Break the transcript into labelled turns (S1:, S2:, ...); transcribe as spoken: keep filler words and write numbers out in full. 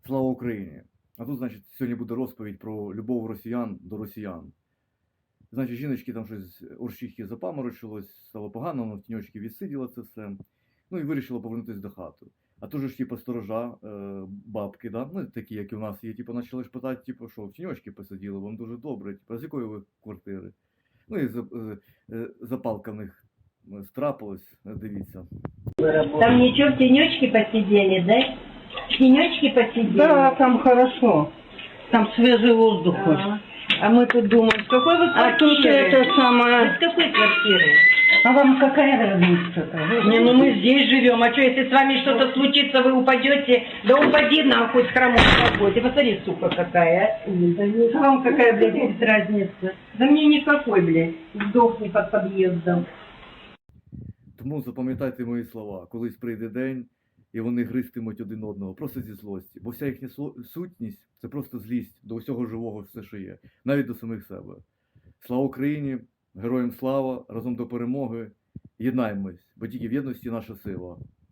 S1: Слава Україні! А тут, значить, сьогодні буде розповідь про любов росіян до росіян. Значить, жіночки там щось орщихи запаморочилось, стало погано, воно в тіньочки відсиділа це все. Ну і вирішила повернутися до хати. А то ж, типу, сторожа, е, бабки, да? Ну, такі, як і в нас є, типу, почали ж питати, типу, що в тіньочки посиділи, вам дуже добре, типу, а з якої ви квартири? Ну і е, е, запалка в них страпилась, дивіться.
S2: Там ничего, в тенечке посидели, да? В тенечке посидели?
S3: Да, там хорошо. Там свежий воздух.
S2: А, а мы тут думаем, с какой вы
S3: А тут
S2: квартиры?
S3: это
S2: Вы
S3: самое...
S2: с какой квартиры?
S3: А вам какая разница-то? Вы
S2: Не, ну мы
S3: знаете?
S2: здесь живем, а что, если с вами что-то случится, вы упадете? Да упади нахуй с хромой работе. Посмотри, сука, какая. А вам какая, блядь, есть разница? Да мне никакой, блядь. Сдохни под подъездом.
S1: Тому запам'ятайте мої слова, колись прийде день, і вони гристимуть один одного, просто зі злості. Бо вся їхня сутність – це просто злість до усього живого, все, що є, навіть до самих себе. Слава Україні! Героям слава! Разом до перемоги! Єднаємось, бо тільки в єдності наша сила.